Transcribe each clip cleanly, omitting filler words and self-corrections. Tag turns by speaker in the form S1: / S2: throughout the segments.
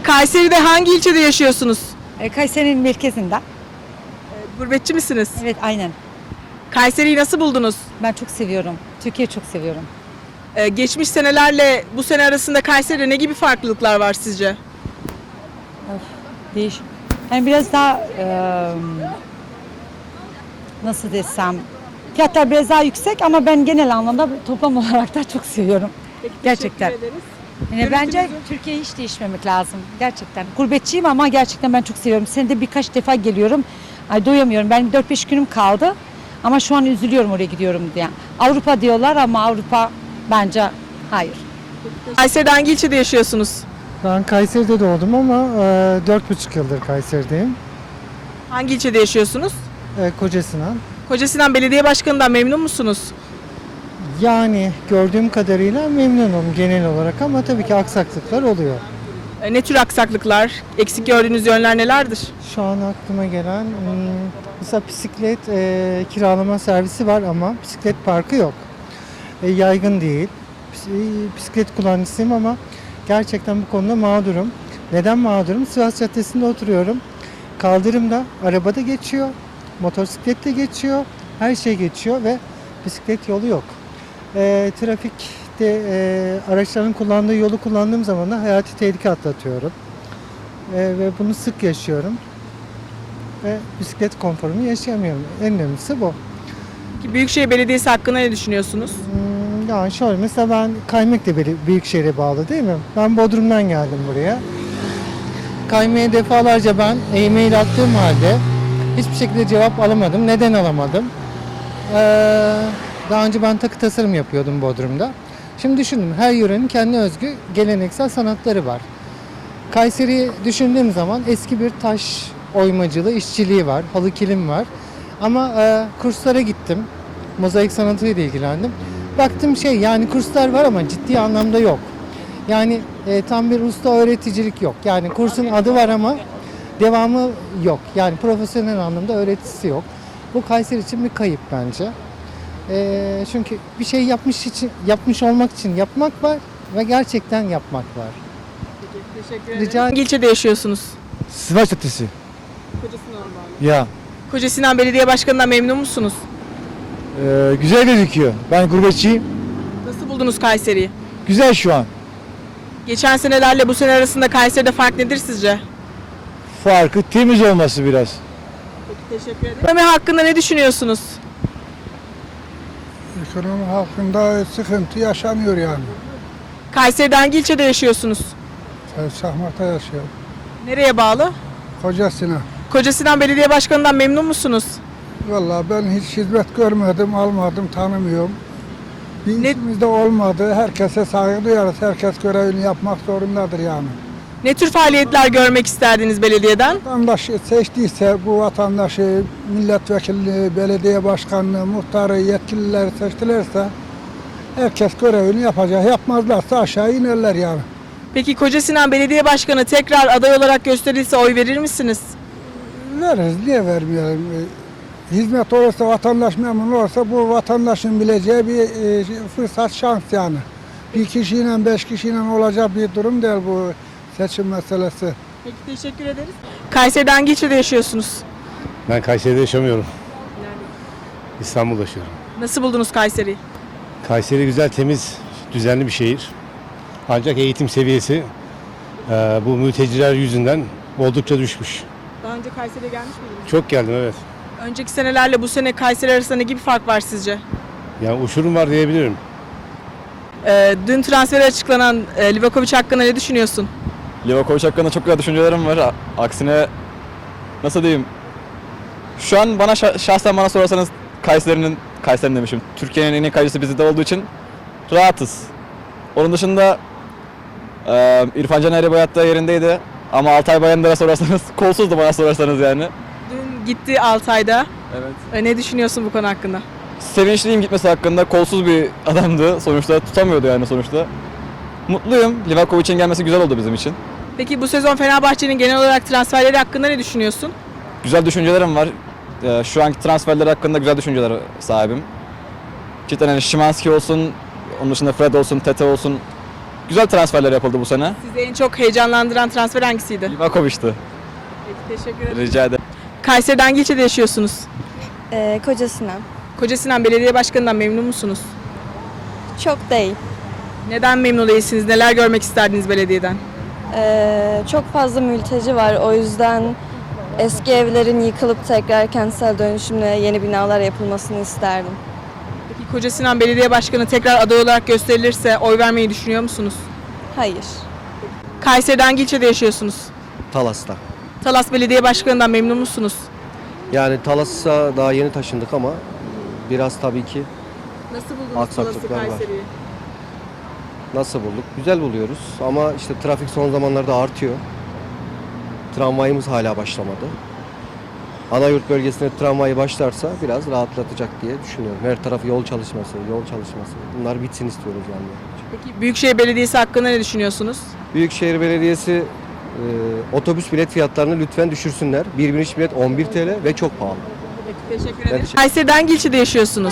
S1: Kayseri'de hangi ilçede yaşıyorsunuz?
S2: Kayseri'nin merkezinden.
S1: Gurbetçi misiniz?
S2: Evet, aynen.
S1: Kayseri'yi nasıl buldunuz?
S2: Ben çok seviyorum. Türkiye'yi çok seviyorum.
S1: Geçmiş senelerle bu sene arasında Kayseri'de ne gibi farklılıklar var sizce?
S2: Değiş. Yani biraz daha nasıl desem, fiyatlar biraz daha yüksek ama ben genel anlamda toplam olarak da çok seviyorum. Gerçekten. Yani bence Türkiye'ye hiç değişmemek lazım. Gerçekten. Gurbetçiyim ama gerçekten ben çok seviyorum. Senede birkaç defa geliyorum. Ay doyamıyorum. Ben 4-5 günüm kaldı. Ama şu an üzülüyorum oraya gidiyorum diye. Avrupa diyorlar ama Avrupa bence hayır.
S1: Kayseri'de hangi ilçede yaşıyorsunuz?
S3: Ben Kayseri'de doğdum ama 4,5 yıldır Kayseri'deyim.
S1: Hangi ilçede yaşıyorsunuz?
S3: Kocasinan.
S1: Kocasinan Belediye Başkanı'ndan memnun musunuz?
S3: Yani gördüğüm kadarıyla memnunum genel olarak ama tabii ki aksaklıklar oluyor.
S1: Ne tür aksaklıklar, eksik gördüğünüz yönler nelerdir?
S3: Şu an aklıma gelen mesela bisiklet kiralama servisi var ama bisiklet parkı yok. Yaygın değil. Bisiklet kullanıcısıyım ama gerçekten bu konuda mağdurum. Neden mağdurum? Sivas Caddesi'nde oturuyorum. Kaldırımda araba da geçiyor, motosiklet de geçiyor, her şey geçiyor ve bisiklet yolu yok. Trafikte araçların kullandığı yolu kullandığım zaman da hayati tehlike atlatıyorum. Ve bunu sık yaşıyorum. Ve bisiklet konforumu yaşayamıyorum. En önemlisi bu.
S1: Ki Büyükşehir Belediyesi hakkında ne düşünüyorsunuz?
S3: Yani şöyle mesela ben Kaymak da Büyükşehir'e bağlı değil mi? Ben Bodrum'dan geldim buraya. Kaymak'a defalarca ben e-mail attığım halde hiçbir şekilde cevap alamadım. Neden alamadım? Daha önce ben takı tasarım yapıyordum Bodrum'da. Şimdi düşündüm, her yörenin kendi özgü geleneksel sanatları var. Kayseri'yi düşündüğüm zaman eski bir taş oymacılığı, işçiliği var, halı kilim var. Ama kurslara gittim, mozaik sanatıyla ilgilendim. Baktım yani kurslar var ama ciddi anlamda yok. Yani tam bir usta öğreticilik yok. Yani kursun adı var ama devamı yok. Yani profesyonel anlamda öğretisi yok. Bu Kayseri için bir kayıp bence. Çünkü bir şey yapmış olmak için yapmak var ve gerçekten yapmak var.
S1: Teşekkür ederim. Hangi ilçede yaşıyorsunuz?
S4: Sivas Caddesi.
S1: Kocasinan bağlı.
S4: Ya
S1: Kocasinan Belediye Başkanı'ndan memnun musunuz?
S4: güzel gözüküyor. Ben gurbetçiyim.
S1: Nasıl buldunuz Kayseri'yi?
S4: Güzel şu an.
S1: Geçen senelerle bu sene arasında Kayseri'de fark nedir sizce?
S4: Farkı temiz olması biraz.
S1: Peki, teşekkür ederim. Ekonomi hakkında ne düşünüyorsunuz?
S5: Ekonomi hakkında sıkıntı yaşamıyor yani.
S1: Kayseri'de hangi ilçede yaşıyorsunuz?
S5: Şahmat'ta yaşıyor.
S1: Nereye bağlı?
S5: Kocasına.
S1: Kocasinan Belediye Başkanı'ndan memnun musunuz?
S5: Vallahi ben hiç hizmet görmedim, almadım, tanımıyorum. Bir
S1: Ne-
S5: işimiz de olmadı. Herkese saygı duyarız. Herkes görevini yapmak zorundadır yani.
S1: Ne tür faaliyetler görmek isterdiniz belediyeden?
S5: Vatandaş seçtiyse bu vatandaşı milletvekili, belediye başkanlığı, muhtarı, yetkilileri seçtilerse herkes görevini yapacak. Yapmazlarsa aşağı inerler yani.
S1: Peki Kocasinan Belediye Başkanı tekrar aday olarak gösterilse oy verir misiniz?
S5: Veririz, niye vermeyelim? Hizmet olursa, vatandaş memnun olursa bu vatandaşın bileceği bir fırsat, şans yani. Bir kişiyle, 5 kişiyle olacak bir durum değil bu seçim meselesi.
S1: Peki, teşekkür ederiz. Kayseri'de hangi ilçede yaşıyorsunuz?
S6: Ben Kayseri'de yaşamıyorum. İstanbul'da yaşıyorum.
S1: Nasıl buldunuz Kayseri'yi?
S6: Kayseri güzel, temiz, düzenli bir şehir. Ancak eğitim seviyesi bu mülteciler yüzünden oldukça düşmüş.
S1: Daha önce Kayseri'ye gelmiş miydiniz?
S6: Çok geldim, evet.
S1: Önceki senelerle bu sene Kayseri arasında ne gibi fark var sizce?
S6: Yani uçurum var diyebilirim.
S1: Dün transferi açıklanan Livakovic hakkında ne düşünüyorsun?
S7: Livakovic hakkında çok güzel düşüncelerim var. Aksine nasıl diyeyim? Şu an şahsen bana sorarsanız Kayseri'nin demişim. Türkiye'nin en iyi kalecisi bizde olduğu için rahatız. Onun dışında İrfan Can Erebayat da yerindeydi. Ama Altay Bayındır'a sorarsanız kolsuzdu bana sorarsanız yani.
S1: Dün gitti Altay'da.
S7: Evet.
S1: Ne düşünüyorsun bu konu hakkında?
S7: Sevinçliyim gitmesi hakkında. Kolsuz bir adamdı sonuçta. Tutamıyordu yani sonuçta. Mutluyum. Livakovic'in gelmesi güzel oldu bizim için.
S1: Peki bu sezon Fenerbahçe'nin genel olarak transferleri hakkında ne düşünüyorsun?
S7: Güzel düşüncelerim var. Şu anki transferler hakkında güzel düşünceler sahibim. Cidden yani Szymański olsun, onun dışında Fred olsun, Tete olsun. Güzel transferler yapıldı bu sene.
S1: Sizi en çok heyecanlandıran transfer hangisiydi?
S7: Livakovic'ti.
S1: Peki, teşekkür ederim.
S7: Rica ederim.
S1: Kayseri'de hangi ilçede yaşıyorsunuz?
S8: Koca Sinan.
S1: Kocasinan Belediye Başkanı'ndan memnun musunuz?
S8: Çok değil.
S1: Neden memnun değilsiniz? Neler görmek isterdiniz belediyeden?
S8: Çok fazla mülteci var. O yüzden eski evlerin yıkılıp tekrar kentsel dönüşümle yeni binalar yapılmasını isterdim.
S1: Peki Kocasinan Belediye Başkanı tekrar aday olarak gösterilirse oy vermeyi düşünüyor musunuz?
S8: Hayır.
S1: Kayseri'de hangi ilçede yaşıyorsunuz?
S9: Talas'ta.
S1: Talas Belediye Başkanı'ndan memnun musunuz?
S9: Yani Talas'a daha yeni taşındık ama biraz tabii ki
S1: Nasıl buldunuz
S9: Aksaklıklar var.
S1: Kayseri'yi?
S9: nasıl bulduk? Güzel buluyoruz ama işte trafik son zamanlarda artıyor. Tramvayımız hala başlamadı. Anayurt bölgesine tramvayı başlarsa biraz rahatlatacak diye düşünüyorum. Her tarafı yol çalışması. Bunlar bitsin istiyoruz yani.
S1: Peki Büyükşehir Belediyesi hakkında ne düşünüyorsunuz?
S9: Büyükşehir Belediyesi otobüs bilet fiyatlarını lütfen düşürsünler. Bir biniş bilet 11 TL ve çok pahalı.
S1: Peki, teşekkür
S9: Ben
S1: ederim.
S9: teşekkür-
S1: Kayseri'de hangi ilçede yaşıyorsunuz?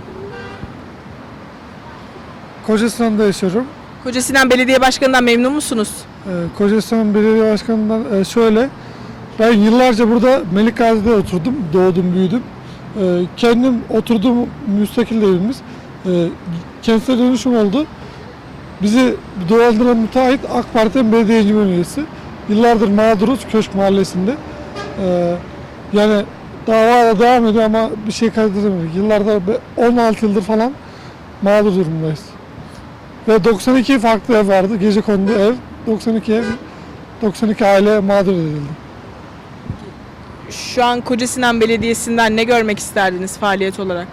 S5: Kocasistan'da yaşıyorum.
S1: Kocasinan Belediye Başkanı'ndan memnun musunuz?
S5: Kocasinan Belediye Başkanı'ndan şöyle. Ben yıllarca burada Melikgazi'de oturdum. Doğdum, büyüdüm. Kendim oturduğum müstakil evimiz. Kentsel dönüşüm oldu. Bizi dolandıran müteahhit AK Parti'nin belediye encümen üyesi. Yıllardır mağduruz Köşk Mahallesi'nde. Yani dava da devam ediyor ama bir şey kaydedemedik. Yıllardır 16 yıldır falan mağdur durumdayız. Ve 92 farklı ev vardı. Gecekondu ev. 92 ev, 92 aile mağdur edildi.
S1: Şu an Kocasinan Belediyesi'nden ne görmek isterdiniz faaliyet olarak?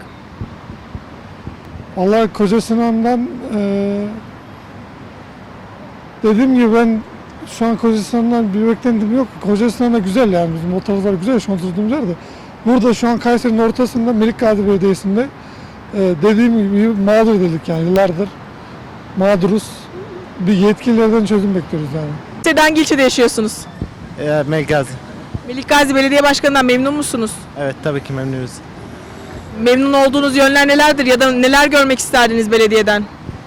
S5: Vallahi Kocasinan'dan dediğim gibi ben şu an Kocasinan'dan bir beklentim yok. Kocasinan'da güzel yani bizim o taraflar güzel şu an oturduğumuz yerde. Burada şu an Kayseri'nin ortasında Melikgazi Belediyesi'nde dediğim gibi mağdur edildik yani yıllardır mağduruz. Bir yetkililerden çözüm bekliyoruz yani.
S1: Kayseri'de hangi ilçede yaşıyorsunuz?
S4: Melikgazi.
S1: Melikgazi Belediye Başkanı'ndan memnun musunuz?
S4: Evet tabii ki memnunuz.
S1: Memnun olduğunuz yönler nelerdir ya da neler görmek isterdiniz belediyeden?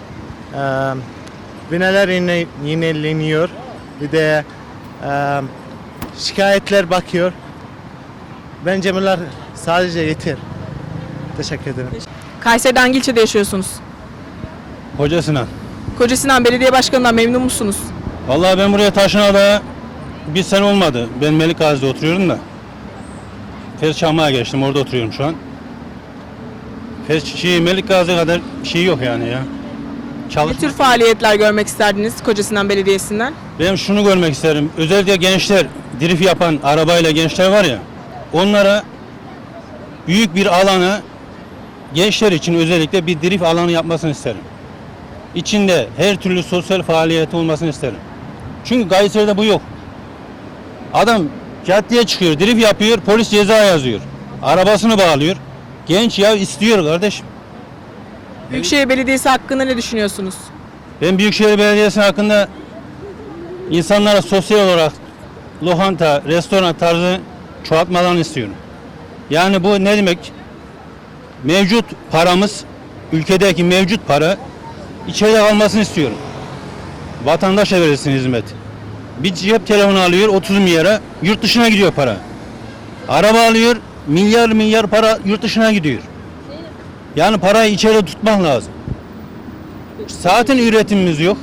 S10: Binalar yenileniyor. Bir de şikayetler bakıyor. Bence bunlar sadece yeter. Teşekkür ederim.
S1: Kayseri'de hangi ilçede yaşıyorsunuz?
S6: Kocasinan.
S1: Kocasinan Belediye Başkanı'ndan memnun musunuz?
S6: Vallahi ben buraya taşınalı bir sene olmadı. Ben Melikgazi'de oturuyorum da. Fesçam'a geçtim. Orada oturuyorum şu an. Melikgazi kadar şey yok yani ya.
S1: Ne tür faaliyetler görmek isterdiniz Kocasinan Belediyesi'nden?
S6: Ben şunu görmek isterim. Özellikle gençler, drift yapan arabayla gençler var ya. Onlara büyük bir alanı gençler için özellikle bir drift alanı yapmasını isterim. İçinde her türlü sosyal faaliyet olmasını isterim. Çünkü Kayseri'de bu yok. Adam caddeye çıkıyor, drift yapıyor, polis ceza yazıyor. Arabasını bağlıyor. Genç ya istiyor kardeşim.
S1: Büyükşehir Belediyesi hakkında ne düşünüyorsunuz?
S6: Ben Büyükşehir Belediyesi hakkında insanlara sosyal olarak lokanta, restoran tarzı çoğaltmalarını istiyorum. Yani bu ne demek? Mevcut paramız, ülkedeki mevcut para içeride kalmasını istiyorum. Vatandaşa verilsin hizmet. Bir cep telefonu alıyor 30 milyara, yurt dışına gidiyor para. Araba alıyor, milyar para yurt dışına gidiyor. Yani parayı içeride tutmak lazım. Zaten üretimimiz yok.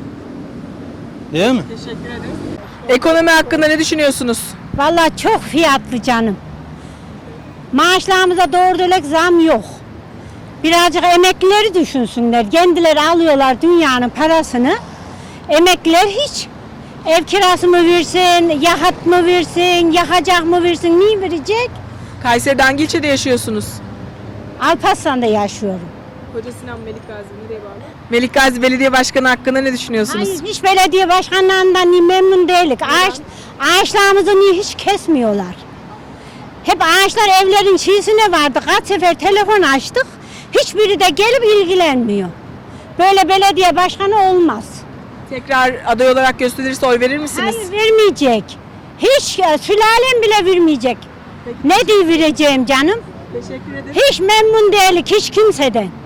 S6: Değil mi?
S1: Teşekkür ederim. Ekonomi hakkında ne düşünüyorsunuz?
S11: Vallahi çok fiyatlı canım. Maaşlarımıza doğru dürüst zam yok. Birazcık emeklileri düşünsünler. Kendileri alıyorlar dünyanın parasını. Emekliler hiç. Ev kirası mı versin, yahat mı versin, yakacak mı versin, niye verecek?
S1: Kayseri'de hangi ilçede yaşıyorsunuz?
S11: Alparslan'da yaşıyorum.
S1: Kocasinan Melikgazi nereye bağlı? Melikgazi Belediye Başkanı hakkında ne düşünüyorsunuz?
S11: Hayır, hiç belediye başkanlarından niye memnun değilik. Ağaçlarımızı niye hiç kesmiyorlar? Hep ağaçlar evlerin çiğsine vardı. Kaç sefer telefon açtık. Hiçbiri de gelip ilgilenmiyor. Böyle belediye başkanı olmaz.
S1: Tekrar aday olarak gösterilirse oy verir misiniz?
S11: Hayır, vermeyecek. Hiç sülalem bile vermeyecek. Ne diye vereceğim canım?
S1: Teşekkür ederim.
S11: Hiç memnun değilik hiç kimseden.